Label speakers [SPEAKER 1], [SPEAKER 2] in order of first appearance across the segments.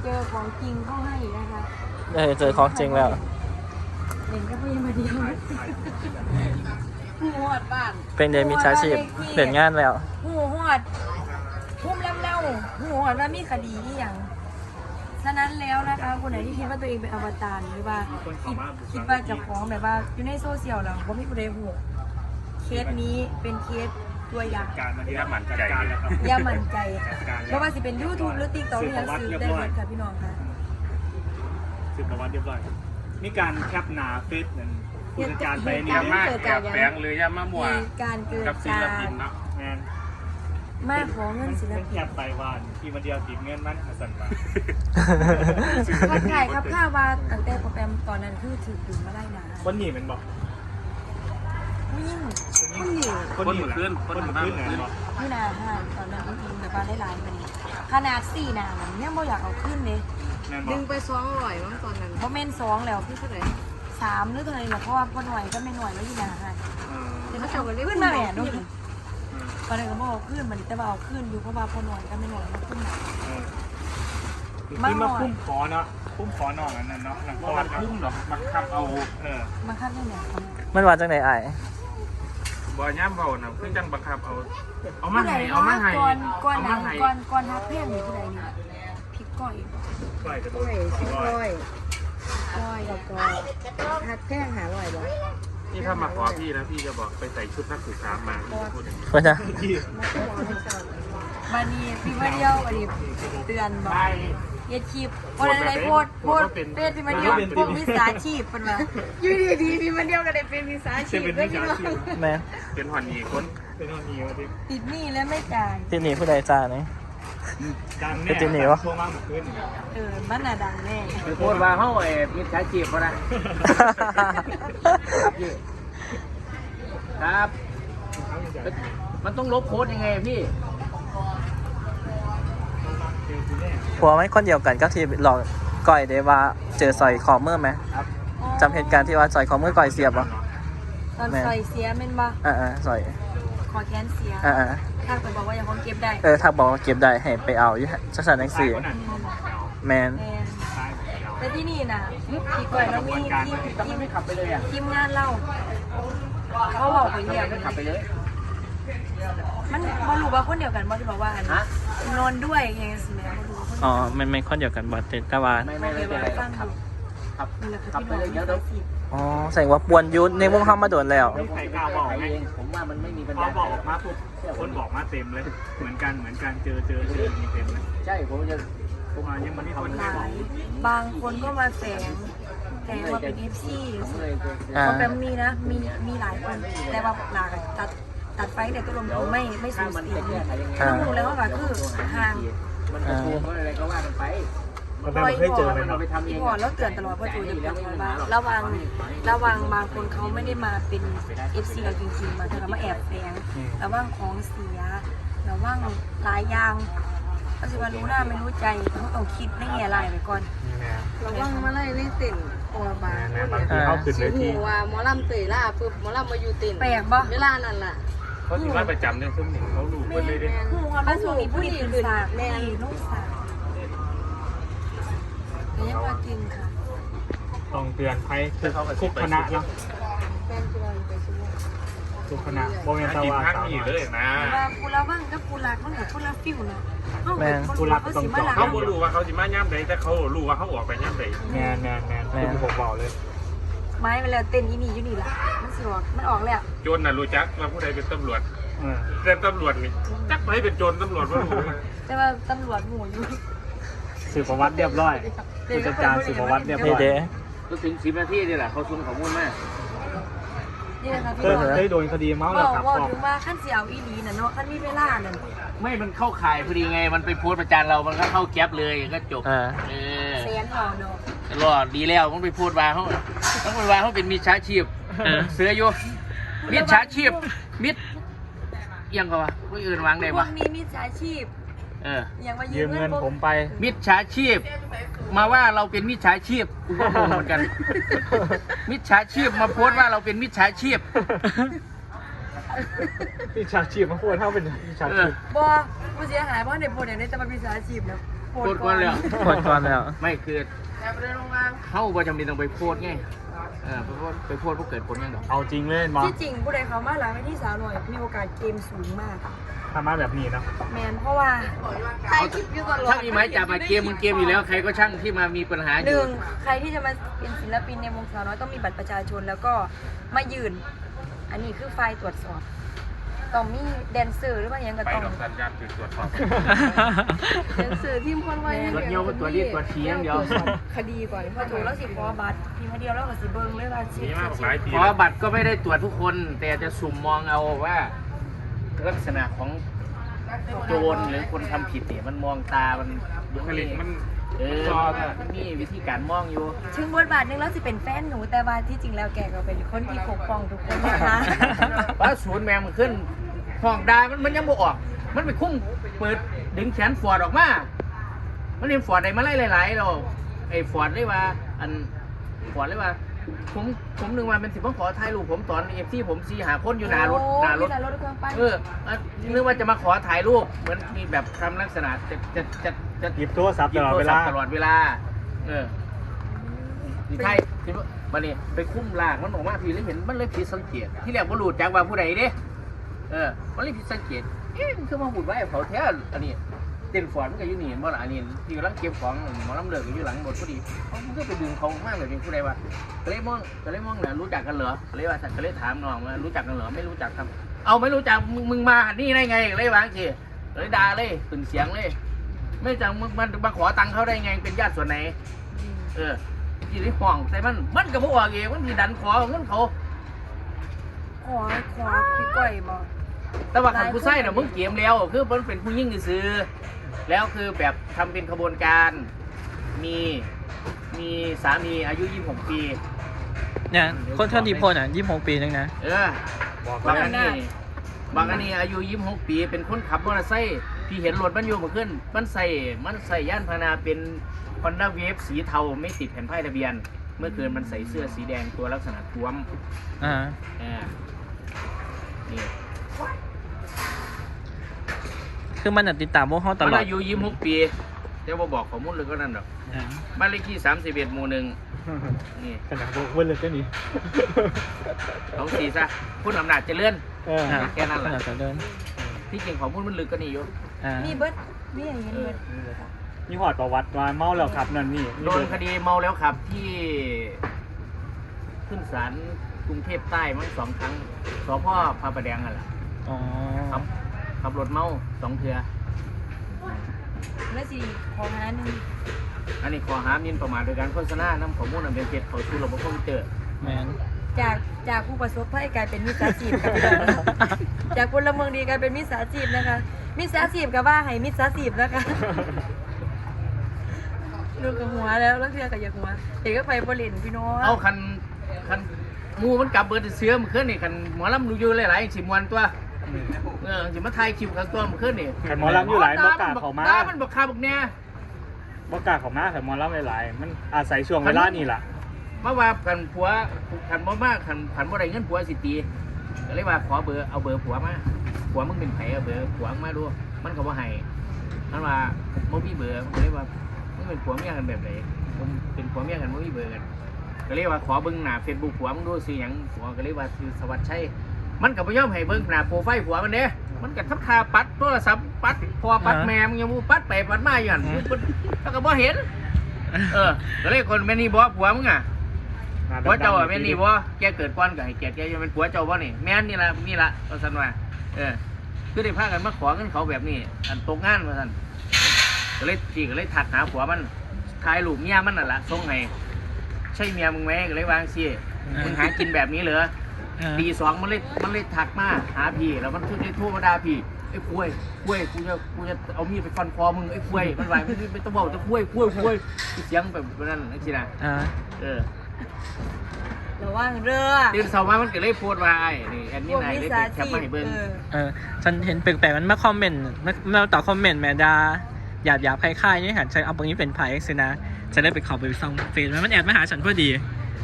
[SPEAKER 1] เจอของจริงเข้าให้นะคะ
[SPEAKER 2] เจอของจริงแล้ว
[SPEAKER 1] เล่นก็เพิ่งมาเดียวหูหอดบ้าน
[SPEAKER 2] เป็นเดมิชาชีพเด่นงานแล้ว
[SPEAKER 1] หูหอดพุ่มลำเล่าหูหอดว่ามีคดีอย่างฉะนั้นแล้วนะคะคนไหนที่คิดว่าตัวเองเป็นอวตารหรือว่าคิดว่าจะฟ้องแบบว่าอยู่ในโซเชียลแล้วว่ามีผู้ใดหูเคสนี้เป็นเคสตัวอย่าง
[SPEAKER 3] การมันย่าหมั่นใจ
[SPEAKER 1] ย่ามั่นใจเพราะว่าสิเป็น YouTube หรือ TikTok หรือยังซื้อได้หมดค่ะพี่น้องค่ะ
[SPEAKER 3] สืบประวัติเรียบร้อยมีการแคปหนาเฟซนั่นผู้จัดการไปนี่
[SPEAKER 4] มากแอบแฝงหรือย่ามามั่ว
[SPEAKER 1] การเกิด
[SPEAKER 4] กับศิลปินเนาะ
[SPEAKER 1] มากของเงินศิลปิน
[SPEAKER 3] แคปไปวานที่มาเดียวติดเงินมันสั่นมา
[SPEAKER 1] ทักทายครับข้าวว่าตั้งแต่โปรแกรมตอนนั้นคือถือดึงมาได้นะ
[SPEAKER 3] คนหนีมันบอก
[SPEAKER 1] ยิ่ง
[SPEAKER 4] คนหนีขึ้นคนหนีขึ้น
[SPEAKER 1] ที่นาห้าตอนนั้นจริงๆแบบว่าได้หลายมันขนาด4 นามันยังบ่อยากเอาขึ้นเลย
[SPEAKER 5] ดึงไป200มั้งตอนนั้น
[SPEAKER 1] เพราะเม่น2แล้วพี่เท่าไหร่3หรือเท่าไหร่เนี่ยเพราะว่าพอหน่วยก็ไม่หน่วยแล้วอยู่นาห้าเดี๋ยวเขาจะเอาขึ้นมาแหวนด้วยตอนนั้นก็บอกขึ้นมันแต่ว่าเอาขึ้นอยู่เพราะว่าพอหน่วยก็ไม่หน่วยมันขึ้น
[SPEAKER 3] มามาคุ้มขอเนาะคุ้มขอนอกอันนั้นเนาะ
[SPEAKER 4] เพราะมันคุ้มหรอกมันขับเอา
[SPEAKER 1] มันขั้นยังไง
[SPEAKER 2] มันว่าจังไหนไอ้
[SPEAKER 4] บ่ย่ำเบาน่ะคือจังบังคับเอามาให้เอามาให้
[SPEAKER 1] ก่อนทักเพี้ยนอยู่ที่ไหนเนี่ยพริกก้อย
[SPEAKER 3] กระโดด
[SPEAKER 5] ก้อยแล้วก็หักแท่ง500บ่
[SPEAKER 4] นี่ถ้ามาขอพี่นะพี่จะบอกไปใส่ชุดนักศึกษามาพูดอย่างนี้
[SPEAKER 2] ว่าจะ
[SPEAKER 1] มานี่พี่มาเดียวมาดิเตือนบอกเย็ดชีพโพสอะไรโพสเป็นพี่มาเดียวพวกวิสาชีพเป็นมา
[SPEAKER 5] อยู่ดีๆพี่มันเดียวก็ได้เป็นวิสาชีพด้วยพี่น้อง
[SPEAKER 2] แม่
[SPEAKER 4] เป็นหอนนีคน
[SPEAKER 3] เป็นหอนนีวะ
[SPEAKER 1] ติดหนี้แล้วไม่จ่าย
[SPEAKER 2] ติดหนี้ผู้ใดจ่ายเนี่ย
[SPEAKER 3] ดังแน่ติดหนี้วะโทรมาหมดขึ้น
[SPEAKER 1] มันน่ะดังแน่
[SPEAKER 4] พูดว่าเขามิจฉาชีพนะครับมันต้องลบโพสยังไงพี่
[SPEAKER 2] ผัวไม่คนเดียวกันก็ที่หลอกก่อยได้ว่าเจอซอยคอมเมอร์ไหมจำเหตุการณ์ที่ว่าซอยคอมเมอร์ก่อยเสียบปะ
[SPEAKER 1] ตอนซอยเสียเป็นปะ
[SPEAKER 2] ซอย
[SPEAKER 1] ขอแค้นเสียถ้าบอกว่าอย่าของเก็บได้
[SPEAKER 2] ถ้าบอกว่าเก็บได้ให้ไปเอาอยู่ชักสันนักสี่แมน
[SPEAKER 1] แต่ที่นี่นะพี่ก่อยเรามีทีมงานเราเขาบอกไปเรียก
[SPEAKER 4] ขับไปเลย
[SPEAKER 1] มันบอรู้ว่าคนเดียวกันบอที่บอกว่านอนด้วยไงสิแม่
[SPEAKER 2] อ๋อไม่คนเดียวกันบอดแต่ว่า
[SPEAKER 4] ไม่เป็นไรขับไปเลยเดี๋ยว
[SPEAKER 2] อ๋อแสดงว่าปวนยุทธในวงเข้ามาโดนแล้ว
[SPEAKER 3] ใครกล้าบอก
[SPEAKER 4] เองผมว่ามันไม่มีปัญญา
[SPEAKER 3] บอกมาปุ๊บคนบอกมาเต็มเลยเหมือนกันเจอมีเต็มเลย
[SPEAKER 4] ใช่ผมจะ
[SPEAKER 3] มายังมันมีคน
[SPEAKER 1] บางคนก็มาแฝงว่าเป็นFCคนแบบมีนะมีหลายคนแต่ว่าหลากตัดไฟแต่ตัวลมไม่สูสีต้องรู้แล้วว่าคือห่าง
[SPEAKER 4] มันจะโชว์อะไรก็ว่ากันไป
[SPEAKER 3] เราเคยเจอไหม
[SPEAKER 1] เราไปทำเองแล้วเตือนตลอดว่าจูจะเป็นอะไรบ้างระวังบางคนเขาไม่ได้มาเป็น FC เราจริงๆมาแต่เรามาแอบแฝงระวังของเสียระวังหลายอย่างก็จะมารู้หน้าไม่รู้ใจต้องคิดในแง่ไรไปก่อน
[SPEAKER 5] ระวังมาไล่ในเต็นตัวบาสิหูว่าหมอลำเตยล่าปุ๊บหมอลำมาอยู่เต็น
[SPEAKER 1] แปลกบ่
[SPEAKER 5] เวลานั่นล่ะ
[SPEAKER 4] เขาถือว่าประจำเนี่ยซึ่งเขาดูเพื่อนเลยดิ
[SPEAKER 1] เขาสูงมีผู้ดีตื่นสากแม่ลูกสาวแต่ยังมากินค่ะ
[SPEAKER 3] ต้องเตือนภัยคุกคณะเนาะคุกคณะโมเมนต์ว่า
[SPEAKER 4] สาวเลยนะ
[SPEAKER 1] กูละว่างกับกูรักมันกับกูละฟิวนะ
[SPEAKER 3] กูรักต้องจอด
[SPEAKER 4] เขาไม่รู้ว่าเขาจะมาย่ำใดแต่เขารู้ว่าเขาออกไปย่ำใด
[SPEAKER 3] แมนผมบอกเลย
[SPEAKER 1] ไม้ไปแล้วเต้นยี่นี่อยู่นี่แหละมันสิออกมันออกแล้ว
[SPEAKER 4] โจรน่ะรู้จักว่าผู้ใดเป็นตำรวจแต่ตำรวจนี่จักไปเป็นโจรตำรวจว่ารู้
[SPEAKER 1] แต่ว่าตำรวจหมู่อยู่
[SPEAKER 3] สืบประวัติเรียบร้อยผู้จัดการสืบประวัติเรียบร้อย
[SPEAKER 4] ก็ถึง10 นาทีนี่แหละเขาซุ่มข้อมูลมา
[SPEAKER 3] ได้โดนคดีเมาแล้วครับ
[SPEAKER 1] บอกถึงว่าขั้นเสียวอีนีน่ะเนาะขั้นมีเวลานั่น
[SPEAKER 4] ไม่มันเข้าข่ายพอดีไงมันไปโพสประจานเรามันก็เข้าแก๊ปเลยก็จบ
[SPEAKER 1] เสียนหอเนาะ
[SPEAKER 4] รอดดีแล้วมันไปพูดว่าเขาต้องไปว่าเขาเป็นมิจฉาชีพเสืออยู่มิจฉาชีพมิจยังก็วะผู้อื่นวางได้
[SPEAKER 1] ปะพวกนี้มิจฉาชีพ
[SPEAKER 3] ยังมายืมเงินผมไป
[SPEAKER 4] มิจฉาชีพมาว่าเราเป็นมิจฉาชีพกูก็งงเหมือนกันมิจฉาชีพมาโพสว่าเราเป็นมิจฉาชีพ
[SPEAKER 3] มิจฉาชีพมาโพสเท่าเป็นมิจฉาชีพ
[SPEAKER 1] บ่ผู้เสียหายเพราะเด็กโพสอย่างนี้จะมามิจฉาชีพนะโพ
[SPEAKER 4] โพ
[SPEAKER 1] ส
[SPEAKER 4] ด
[SPEAKER 1] ต์
[SPEAKER 4] ก่อนแล้ว
[SPEAKER 2] หมดก่อนแล้ว
[SPEAKER 4] ไม่คือเขาบ่จำเป็นต้องไปโพดไงไปโพดเพราะเกิดผลยังดอก
[SPEAKER 3] เอาจริงเล่นมา
[SPEAKER 1] ที่จริงผู้ใดเขามาหลังไปที่สาวหน่อยมีโอกาสเกมสูงมาก
[SPEAKER 3] ทำมาแบบนี้เนาะ
[SPEAKER 1] แมนเพราะว่า
[SPEAKER 5] ถ่ายคลิปอยู่ตลอด
[SPEAKER 4] ถ้ามีไม้จับมาเกมมึงเกมอยู่แล้วใครก็ช่างที่มามีปัญหาอ
[SPEAKER 1] ห
[SPEAKER 4] ยู่
[SPEAKER 1] นึ่งใครที่จะมาเป็นศิลปินในวงสาวน้อยต้องมีบัตรประชาชนแล้วก็มายืน อันนี้คือไฟล์ตรวจสอบต้องมีแดนเซอร์หรือว่าอย่างก็ต้อง
[SPEAKER 5] เดี๋ยวสื่อทีมคนไว้
[SPEAKER 4] ตัวเดียวก็ตัวรีดตัวเทียงเดียว
[SPEAKER 1] คดีก่อนพอถูกแล้วสิขอบัตรทีมาเดียวแล้วก็สิเบิ้งเลยว่าสิ
[SPEAKER 4] เพราะบัตรก็ไม่ได้ตรวจทุกคน แต่จะสุ่มมองเอาว่าลักษณะของโจรหรือคนทำผิดเนี่ยมันมองตา มันบุคลิกมันมันมีวิธีการมองอยู่
[SPEAKER 1] ถึงบทบาทหนึงแล้วสิเป็นแฟนหนูแต่ว่าที่จริงแล้วแกก็เป็นคนที่ปกป้องทุกคนนะคะ
[SPEAKER 4] ว่าศูนย์แมงมันขึ้นห้องดามันยังบ่ออก มันไปคุ้มเปิดดึงแขนฟอร์ดออกมา มันเรียนฟอร์ดได้มาหลายๆเราไอ้ฟอร์ดเลยว่าฟอร์ดเลยว่าผมนึกว่าเป็นสิผมขอถ่ายรูปผมตอนเอฟซีผมซีหาคนอยู่หน้ารถ
[SPEAKER 1] มีหน้ารถเครื่องปั้น
[SPEAKER 4] นึกว่าจะมาขอถ่ายรูปเหมือนมีแบบทำลักษณะจะ
[SPEAKER 3] หยิบโทรศัพท์ตลอดเวลา
[SPEAKER 4] ตลอดเวลานี่ไทยคิดว่ามันนี่ไปคุ้มลากมันออกมาพี่เลยเห็นมันเลยผิดสังเกตที่แรกบ่รู้จักว่าผู้ใดเด้มันเลยผิดสังเกตมันคือมาบุดไว้เขาแท้อันนี้เต้นฟอนมันก็อยู่นี่เห็นบ่ล่ะอันนี้ที่กำลังเก็บของหมอลำเลิกอยู่หลังหมดพอดีมันก็ไปดึงเขามากเลยเป็นผู้ใดวะก็เลยมองเนี่ยรู้จักกันเหรอก็เลยว่าก็เลยถามน้องว่ารู้จักกันเหรอไม่รู้จักครับเอาไม่รู้จักมึงมานี่ได้ไงเลยวางทีเลยด่าเลยตึงเสียงเลยไม่จังมึงมันมาขอตังค์เขาได้ไงเป็นญาติส่วนไหนที่ได้ห่วงใส่มันก็บ่ออกเองมันมีดันขอเงินเขา
[SPEAKER 1] ขอพี่ก้อยบอก
[SPEAKER 4] แต่ว่าขันผู้ใส่น่ะมึงเกมแล้วคือมันเป็นผู้ยิ่งซื้อแล้วคือแบบทำเป็นขบวนการมีสามีอายุ26 ปี
[SPEAKER 2] เนี่ยคนท่านดีพลอ่ะ26 ปีนึงนะ
[SPEAKER 4] บางอันนี้อายุ26 ปีเป็นคนขับมอเตอร์ไซค์พี่เห็นรถมันอยู่มาขึ้นมันใส่ย่านพาหนะเป็น Honda Wave สีเทาไม่ติดแผ่นป้ายทะเบียน เมื่อคืนมันใส่เสื้อสีแดงตัวลักษณะท้วมนี่
[SPEAKER 2] คือมันติดตามพวกเขาต
[SPEAKER 4] มัน
[SPEAKER 2] ลอด
[SPEAKER 4] อายุ26 ปีเดี๋ยวบอกข้อมูลเลยก็นั่นหรอกบ้านเลขที่31 หมู่ 1นี่
[SPEAKER 3] ขนาดพวกเว้นเลยก็นี่
[SPEAKER 4] เอาสีซะคุณอำนาจเจริญ แค่นั้นแหละ
[SPEAKER 2] เดิน
[SPEAKER 4] ที่จริงของมันลึกก็นี่อยู่
[SPEAKER 1] มีเบิร์ดมีอย่างเงี้ยเบิร์ด
[SPEAKER 3] นี่หอดประวัติมาเมาแล้วครับนั่นนี่
[SPEAKER 4] โดนคดีเมาแล้วขับที่ขึ้นศาลกรุงเทพใต้มั้ง2 ครั้งสพพระประแดงนั่นแหละ
[SPEAKER 2] อ๋อ
[SPEAKER 4] ขับรถเมา2 เทื่อ
[SPEAKER 1] แล้วสิของงานหนึง
[SPEAKER 4] อันนี้ขอหาหมิ่นประมาทโดยการโฆษณานำข้อมูลอันเป็นเท็จเข้าสู่ระบบคอมพิวเตอร์
[SPEAKER 2] แมน
[SPEAKER 1] จากผู้ประสบภัยกลายเป็นมิจฉาชีพกับพี่น้องจากพลเมืองดีกลายเป็นมิจฉาชีพนะคะมิจฉาชีพกับว่าให้มิจฉาชีพนะคะลูกกับหัวแล้วเชื่อกับอยากหัวเด็กก็ไปบริเวณพี่น้อง
[SPEAKER 4] เอาคันมูมันกลับเบิดเสือมันขึ้นนี่คันหมอลำดูอยู่หลายๆสิมวนตัวสิมาถ่ายคลิปกันตัวมันขึ้นนี่
[SPEAKER 3] ขันหมอลำอยู่หลายบกล้าเขามา
[SPEAKER 4] มันบอกคาบอกเนี่ย
[SPEAKER 3] บกล้าเขามาขันหมอลำหลายๆมันอาศัยช่วงเวลานี่แหละ
[SPEAKER 4] มาว่าขันผัวขันบ่มากขันบ่ได้เงินผัวสิตีก็เลยว่าขอเบอร์เอาเบอร์ผัวมาผัวมึงเป็นไผเอาเบอร์ผัวมาดูมันก็บ่ให้มันว่าบ่มีเบอร์ก็เลยว่ามึงเป็นผัวเมียกันแบบไหนผมเป็นผัวเมียกันบ่มีเบอร์กันก็เลยว่าขอเบิ่งหน้า Facebook ผัวมึงดูสิหยังผัวก็เลยว่าชื่อสวัสดิ์ชัยมันก็บ่ยอมให้เบิ่งหน้าโปรไฟล์ผัวมันเด้มันก็ทำท่าปัดโทรศัพท์ปัดพอปัดแม่มึงยังบ่ปัดไปปัดมาอยู่หั่นแล้วก็บ่เห็นก็เลยคนแม่นี่บ่ผัวมึงอ่ะผัวเจ้าอ่ะแม่นี่บ่แกเกิดก่อนก็ให้แกยังเป็นผัวเจ้าบ่นี่แม่นนี่ล่ะว่าซั่นว่าคือได้พากันมาขอเงินเขาแบบนี้อันตกงานว่าซั่นก็เลยทักหาผัวมันถ่ายรูปเมียมันนั่นล่ะส่งให้ใช่เมียมึงไหมก็เลยวางสิมึงหากินแบบนี้เหรอตี2มันเลยทักมาหาพี่แล้วมันได้โทรมาด่าพี่ไอ้คุยกูจะเอามีดไปฟันคอมึงไอ้คุยมันว่าไม่ต้องบอกจะคุยเสียงแบบนั้นจังซี่นะ
[SPEAKER 1] ระวังเรือ
[SPEAKER 4] ตื่นเช้ามามันก็เลยโพสต์ว่าไอ้นี่แอดมินไหนเลยไปแคปมาให้เบิ่ง
[SPEAKER 2] ฉันเห็นแปลกๆมันมาคอมเมนต์มาตอบคอมเมนต์แม่ดาหยาบคล้ายๆนี่ค่ะฉันเอาตรงนี้เป็นไพ่สินะฉันได้ไปขอไปส่องเฟซมันแอดมาหาฉันพอดี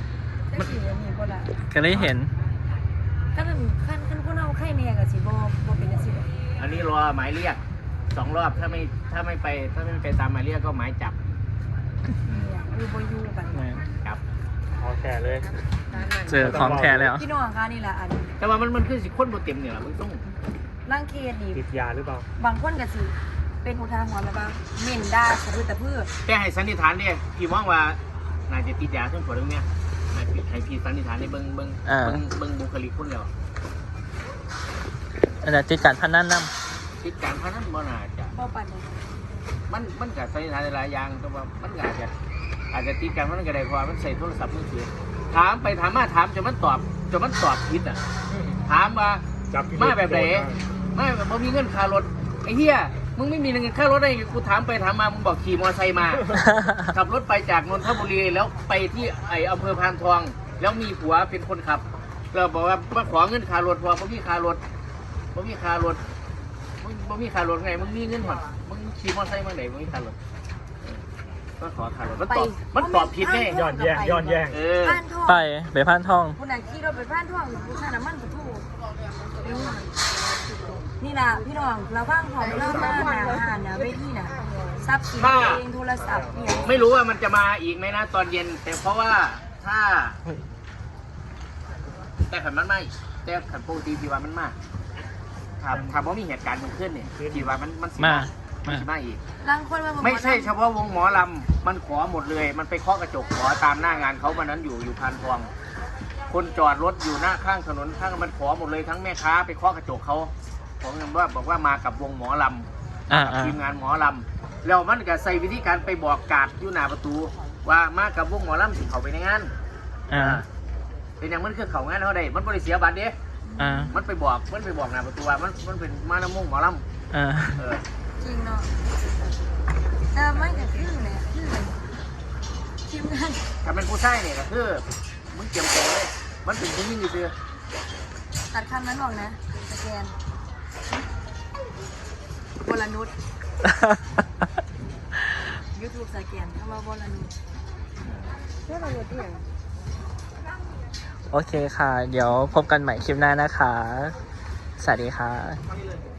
[SPEAKER 2] ก็เลยเห็น
[SPEAKER 1] ขั้นผู้เน่าไข่เนี่ยกับสิบ่เป็นจังซี่
[SPEAKER 4] อันนี้รอหมายเรียกส 2 รอบถ้าไม่ไปตามหมายเรียกก็หมายจับ
[SPEAKER 1] อยู่บ่อยู่บัดนี้
[SPEAKER 4] ครับ
[SPEAKER 3] เอาแค่เลย
[SPEAKER 2] เจอของแท้แล้ว
[SPEAKER 1] พี่น้องค่ะนี่แหละอัน
[SPEAKER 4] แต่ว่ามันคือสิคนบ่เต็มเนี่ยล่ะมึงต้อง
[SPEAKER 1] ร่างเคสนี่
[SPEAKER 3] ติดยาหรือเปล่า
[SPEAKER 1] บางคนก็สิเป็นอุทาหรณ์แบบว่าเหม็นด่าสะพือตะพือ
[SPEAKER 4] แต่ให้สันนิษฐานเนี่ยพี่มองว่านายจะติดยาทั้งหมดเรื่องเนี้ยให้พี่สันนิษฐานในเบิ่งบุคลิกคนแล้ว
[SPEAKER 2] อันนั้นติดการพนันน
[SPEAKER 4] ติดการพนันบ่น่าจะ
[SPEAKER 1] บ่ปันเลย
[SPEAKER 4] มันก็สันนิษฐานหลายอย่างแต่ว่ามันก็อาจจะติดการพนันก็ได้เพราะว่ามันใส่โทรศัพท์มือถือถามไปถามมาถามจนมันตอบผิดอ่ะถามว่า
[SPEAKER 3] จับพี่
[SPEAKER 4] มาแบบไหนมาแบบบ่มีเงินค่ารถไอ้เหี้ยมึงไม่มีเงินค่ารถได้ไงกูถามไปถามมามึงบอกขี่มอเตอร์ไซค์มา
[SPEAKER 2] ำ
[SPEAKER 4] ขับรถไปจากนนทบุรีแล้วไปที่อำเภอพานทอง แล้วมีผัวเป็นคนขับเราบอกว่ามาขอเงินค่ารถพอบ่มีค่ารถบ่มีค่ารถบ่มีค่ารถไงมึงมีเงินหมดมึงขี่มอเตอร์ไซค์มาไหนบ่มีค่ารถก็ขอค่ารถมันตอบผิดแน่
[SPEAKER 3] ย้อนแย่ง
[SPEAKER 4] เออ
[SPEAKER 1] ผ่านทอง
[SPEAKER 2] ไปพานทอง
[SPEAKER 1] ผู้นั้นขี่รถไปผ่านทองผู้ชายน้ำมันก็ถูกนี่ล่ะพี่น้องเราฟังของเริ่มมาอาหารนะเวทีน่ะทรัพย์สินเองโทรศัพท์เนี่ย
[SPEAKER 4] ไม่รู้ว่ามันจะมาอีกไหมนะตอนเย็น แต่เพราะว่าถ้า แต่ขันมันไม่แต่ขันปกติพี่ว่ามันมากถามว่ามีเหตุการณ์มันขึ้นเนี่ยพี่ว่ามันสิมาอีก
[SPEAKER 1] บางคนมาบอก
[SPEAKER 4] ไม่ใช่เฉพาะวงหมอลำมันขอหมดเลย มันไปเคาะกระจกขอตามหน้างานเขาวันนั้นอยู่พานทอง คนจอดรถอยู่หน้าข้างถนนข้างมันขอหมดเลยทั้งแม่ค้าไปเคาะกระจกเขาผมบอกว่ามากับวงหมอลำทีมงานหมอลำแล้วมันก็ใส่วิธีการไปบอกกาดอยู่หน้าประตู ว่ามากับวงหมอลำสิเขาไปในงานเป็นอย่างมันคือเขางานเขาได้มันบริเสียบัตรเด้มันไปบอกหน้าประตูว่ามันเป็นมาน้ำวงหมอลำ
[SPEAKER 1] จริงเนาะแต่ไม่แต่คือเลยทีมงาน
[SPEAKER 4] ถ้าเป็นผู้ชายเนี่ยก็คือมึงเตรียมตัวเลยมันเป็นผู้หญิงซื่อ
[SPEAKER 1] ตัดคำนั้นออกนะสแกนวรนุช YouTube สแกนคำว่าวรนุชวรนุชเนี่ย
[SPEAKER 2] โอเคค่ะ เดี๋ยวพบกันใหม่คลิปหน้านะคะ สวัสดีค่ะ